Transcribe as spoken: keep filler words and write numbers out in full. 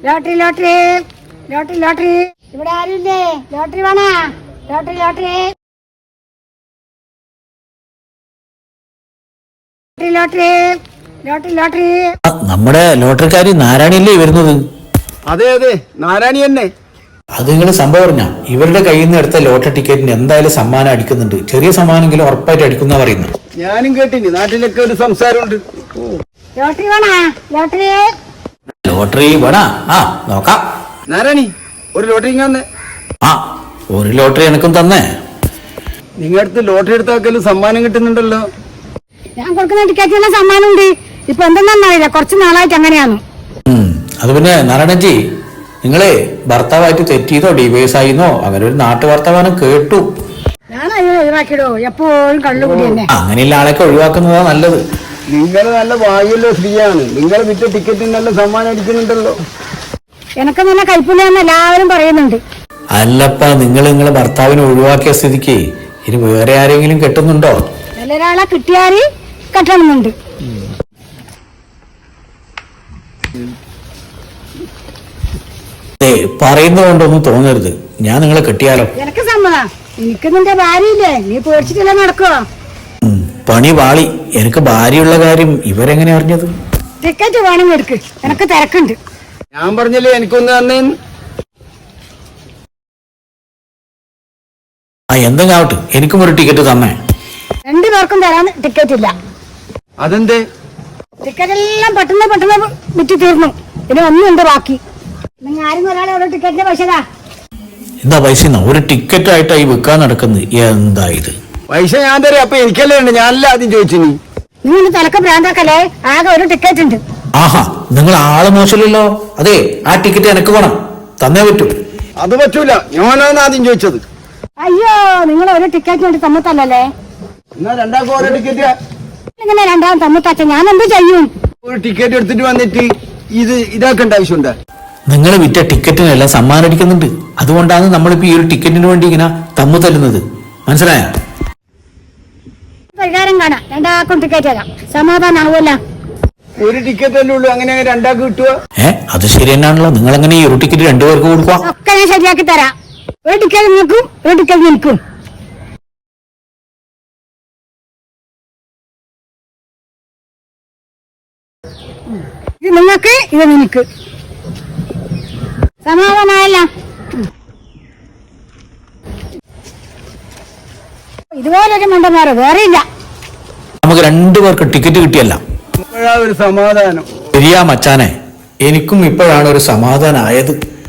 Lottery lottery lottery lottery ഇവിടെ ആരുമില്ലേ? Lottery വേണ? Lottery lottery lottery lottery lottery. നമ്മുടെ ലോട്ടറിക്കാരി നാരായണിയല്ലേ വരുന്നത്? അതെ അതെ, നാരായണി തന്നെ. അത് നിങ്ങൾ സംഭവം പറഞ്ഞ ഇവരുടെ കയ്യിൽ നിന്ന് എടുത്ത ലോട്ടറി ടിക്കറ്റിന് എന്തായാലും സമ്മാനം അടിക്കുന്നുണ്ട്. ചെറിയ സമ്മാനെങ്കിലും ഉറപ്പായിട്ട് അടിക്കുന്ന പറയുന്നത്. ഞാനും കേട്ടിന്, നാട്ടിലൊക്കെ ഒരു സംസാരമുണ്ട്. ലോട്ടറി വേണ? ലോട്ടറി ലോട്ടറി വേണ? ആ നോക്കാം. നാരായണി, ഒരു ലോട്ടറി തന്നെ. ആ ഒരു ലോട്ടറി എനക്കും തന്നെ. നിങ്ങളുടെ അടുത്ത് ലോട്ടറി എടുത്താക്കലും സമ്മാനം കിട്ടുന്നുണ്ടല്ലോ. ഞാൻ കൊടുക്കുന്ന ടിക്കറ്റിനുള്ള സമ്മാനം ഉണ്ട്. ഇപ്പൊ എന്തെന്നറിയില്ല, കുറച്ച് നാളായിട്ട് അങ്ങനെയാണ്. അത് പിന്നെ നാരായണജി, നിങ്ങളെ ഭർത്താവായിട്ട് തെറ്റിയതോ ഡിവൈസ് ആയിന്നോ അങ്ങനെ ഒരു നാട്ടു വർത്തമാനം കേട്ടു. ഞാൻ അതിനെ ഒഴിവാക്കിയിടോ, എപ്പോഴും കള്ളുകൂടി തന്നെ. അങ്ങനെയുള്ള ആളൊക്കെ ഒഴിവാക്കുന്നതാ നല്ലത്. നിങ്ങൾ നല്ല ഭാഗ്യമുള്ള സ്ത്രീയാണ്. നിങ്ങൾ വിറ്റ ടിക്കറ്റിന് നല്ല സമ്മാനം അടിക്കുന്നുണ്ടല്ലോ. എനക്ക് നല്ല കൈപ്പുണ്യാന്ന് എല്ലാവരും പറയുന്നുണ്ട്. അല്ലപ്പ നിങ്ങൾ നിങ്ങളെ ഭർത്താവിനെ ഒഴിവാക്കിയ സ്ഥിതിക്ക് ഇനി വേറെ ആരെങ്കിലും കെട്ടുന്നുണ്ടോ? നല്ലൊരാളെ കിട്ടിയാല് കെട്ടണമെന്നുണ്ട്. പറയുന്നത് കൊണ്ടൊന്നും തോന്നരുത്. ഞാൻ നിങ്ങളെ കെട്ടിയാലോ? എനക്ക് സമ്മതം. എനിക്ക് നിന്റെ ഭാര്യയില്ലേ, നീ പേടിച്ചിട്ടില്ല നടക്കുവോ? പണി പാളി. എനിക്ക് ഭാര്യയുള്ള കാര്യം ഇവരെങ്ങനെ അറിഞ്ഞത്? ടിക്കറ്റ് വേണമെങ്കിൽ എടുക്ക്, എനക്ക് തിരക്കുണ്ട്. ഞാൻ പറഞ്ഞല്ലേ എനിക്കൊന്ന് തന്നേന്ന്. ആ എന്തെങ്കിലും ആവട്ടെ, എനിക്കും ഒരു ടിക്കറ്റ് തന്നെ. രണ്ടു പേർക്കും തരാൻ ടിക്കറ്റ് ഇല്ല. അതെന്തേ? ടിക്കറ്റ് എല്ലാം പെട്ടെന്ന് പെട്ടെന്ന് വിറ്റ് തീർന്നു. ഇനി ഒന്നുണ്ട് ബാക്കി. നിങ്ങൾ ആരും ഒരാളെ ഓരോ ടിക്കറ്റിന്റെ പൈസ താ. എന്താ പൈസ? ഒരു ടിക്കറ്റ് ആയിട്ടായി വിൽക്കാൻ നടക്കുന്നത്. എന്താ ഇത്? പൈസ ഞാൻ തരാം. അപ്പൊ എനിക്കല്ലേ ഉണ്ട്, ഞാനല്ല ആദ്യം ചോദിച്ചു. നീ നിങ്ങൾ തലക്ക് ഭ്രാന്താക്കല്ലേ? ആകെ ഒരു ടിക്കറ്റ് ഉണ്ട്. ആഹാ, നിങ്ങൾ ആള് മോശമില്ലല്ലോ. അതെ, ആ ടിക്കറ്റ് എനക്ക് വേണം, തന്നേ പറ്റൂ. അത് പറ്റൂല, ഞാനാണ് ആദ്യം ചോദിച്ചത്. അയ്യോ, നിങ്ങൾ ഒരു ടിക്കറ്റ് വേണ്ടി തമ്മത്തല്ലേ? എന്നാ രണ്ടാൾക്കും ഓരോ ടിക്കറ്റ്. ഇങ്ങനെ രണ്ടാം തമ്മത്തച്ച ഞാൻ എന്ത് ചെയ്യും? ഒരു ടിക്കറ്റ് എടുത്തിട്ട് വന്നിട്ട് ഇത് ഇതാക്കേണ്ട ആവശ്യമുണ്ട്. നിങ്ങൾ വിറ്റ ടിക്കറ്റിനെല്ലാം സമ്മാനം അടിക്കുന്നുണ്ട്. അതുകൊണ്ടാണ് നമ്മളിപ്പോ ഈ ഒരു ടിക്കറ്റിന് വേണ്ടി ഇങ്ങനെ തമ്മു തല്ലുന്നത്. മനസ്സിലായ? പരിഹാരം കാണാം. രണ്ടാൾക്കും ടിക്കറ്റ് തരാം, സമാധാനം ആവുമല്ല. ഒരു ടിക്കറ്റ് അല്ലേ ഉള്ളൂ, അങ്ങനെ രണ്ടാൾക്ക് കിട്ടുക? ഏ അത് ശരി തന്നെയാണല്ലോ. നിങ്ങൾ എങ്ങനെ ഈ ഒരു ടിക്കറ്റ് രണ്ടുപേർക്ക് കൊടുക്കുക? ഒക്കെ ഞാൻ ശരിയാക്കി തരാം. ഒരു ടിക്കറ്റ് നിൽക്കും, ഒരു ടിക്കറ്റ് നിൽക്കും. ഇത് നിങ്ങൾക്ക്, ഇത് നിനക്ക്. സമാധാനമായല്ല? ഇതുപോലൊരു മണ്ടന്മാരോ വേറെ ഇല്ല. നമുക്ക് രണ്ടുപേർക്ക് ടിക്കറ്റ് കിട്ടിയല്ല, ഇപ്പോഴാ ഒരു സമാധാനം. ശരിയാ മച്ചാനെ, എനിക്കും ഇപ്പോഴാണ് ഒരു സമാധാനം ആയത്.